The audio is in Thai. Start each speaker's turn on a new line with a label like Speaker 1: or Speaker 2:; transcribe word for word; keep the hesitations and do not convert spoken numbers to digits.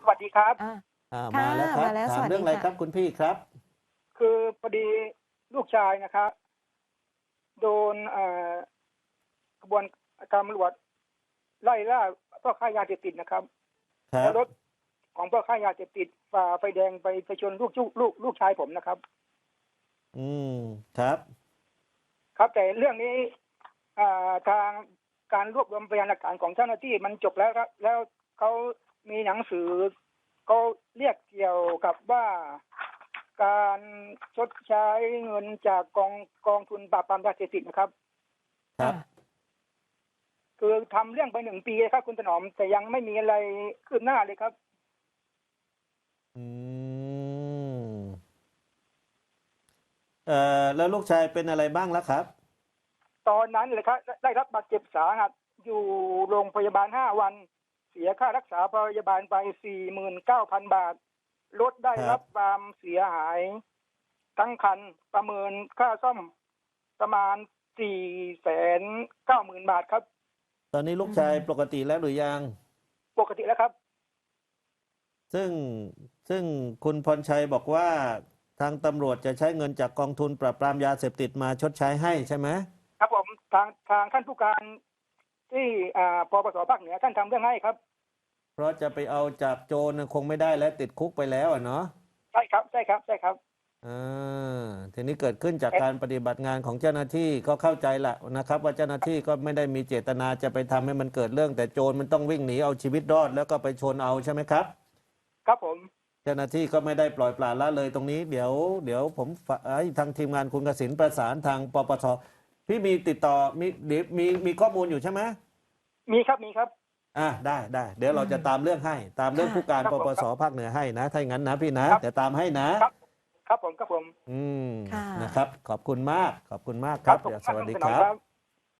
Speaker 1: สวัสดีครับ
Speaker 2: อ่า
Speaker 3: อ่า
Speaker 2: ค่ะ
Speaker 3: มาแล้วครับ
Speaker 2: มาแล้ว
Speaker 3: ถา
Speaker 2: ส
Speaker 3: ม
Speaker 2: วัส
Speaker 3: เรื่
Speaker 2: ดี
Speaker 3: องอะไร
Speaker 2: ค่ะ
Speaker 3: ครับคุณพี่ครับ
Speaker 1: คือพอดีลูกชายนะครับ โดนเอ่อกระบวนการตำรวจไล่ล่าพ่อค้ายาเสพติดนะครับ
Speaker 3: ครั
Speaker 1: แล้
Speaker 3: บ
Speaker 1: วรถของพ่อค้ายาเสพติดฝ่าไฟแดงไปไปชนลูกลูกลูกลูกชายผมนะครับ
Speaker 3: อืมครับ
Speaker 1: ครับแต่เรื่องนี้อ่าทางการรวบรวมพยานหลักฐานของเจ้าหน้าที่มันจบแล้วครับ แล้วเขามีหนังสือเขาเรียกเกี่ยวกับว่าการชดใช้เงินจากกองกองทุนปราบปรามยาเสพติดนะครับ
Speaker 3: ครับ
Speaker 1: คือทำเรื่องไปหนึ่งปีครับคุณถนอม แต่ยังไม่มีอะไรคืบหน้าเลยครับ
Speaker 3: อืมเอ่อแล้วลูกชายเป็นอะไรบ้างแล้วครับ
Speaker 1: ตอนนั้นเลยครับได้รับบาดเจ็บสาหัสอยู่โรงพยาบาลห้าวัน เสียค่ารักษาพยาบาลไปสี่หมื่นเก้าพันบาทรถได้รับความเสียหายทั้งคันประเมินค่าซ่อมประมาณสี่แสนเก้าหมื่นบาทครับ
Speaker 3: ตอนนี้ลูกชายปกติแล้วหรือยัง
Speaker 1: ปกติแล้วครับ
Speaker 3: ซึ่งซึ่งคุณพรชัยบอกว่าทางตำรวจจะใช้เงินจากกองทุนปราบปรามยาเสพติดมาชดใช้ให้ใช่ไหม
Speaker 1: ครับผมทางทางท่านผู้การที่อ่าปปสภาคเหนือท่านทำเรื่องให้ครับ
Speaker 3: เพราะจะไปเอาจากโจรน่ะคงไม่ได้และติดคุกไปแล้วอะเนาะ
Speaker 1: ใช่ครับใช่ครับใช่ครับ
Speaker 3: อ่าทีนี้เกิดขึ้นจากการปฏิบัติงานของเจ้าหน้าที่ก็เข้าใจละนะครับ ว่าเจ้าหน้าที่ก็ไม่ได้มีเจตนาจะไปทำให้มันเกิดเรื่อง แต่โจรมันต้องวิ่งหนีเอาชีวิตรอดแล้วก็ไปชนเอาใช่ไหมครับ
Speaker 1: ครับผม
Speaker 3: เจ้าหน้าที่ก็ไม่ได้ปล่อยปละละเลยตรงนี้เดี๋ยวเดี๋ยวผมฝากให้ทางทีมงานคุณกสินประสานทางปปชพี่มีติดต่อมีเดี๋ยวมีมีข้อมูลอยู่ใช่ไหม
Speaker 1: มีครับมีครับ
Speaker 3: อ่าได้ได้เดี๋ยวเราจะตามเรื่องให้ ตามเรื่อง
Speaker 2: ค่ะ
Speaker 3: ผู้การ
Speaker 1: ครับ
Speaker 3: ป
Speaker 1: ผม
Speaker 3: ปสภาคเหนือให้นะถ้าอย่างนั้นนะพี่นะครับ เดี๋ยวตามให้นะครับ
Speaker 1: ครับผมครับผม
Speaker 3: อืม
Speaker 2: ค่ะ
Speaker 3: นะครับ ขอบคุณมากขอบคุณมากครับ
Speaker 1: ผม
Speaker 3: เดี๋ยวสวัสดี
Speaker 1: ณถ
Speaker 3: คน
Speaker 1: อม
Speaker 3: รับ
Speaker 1: ครับ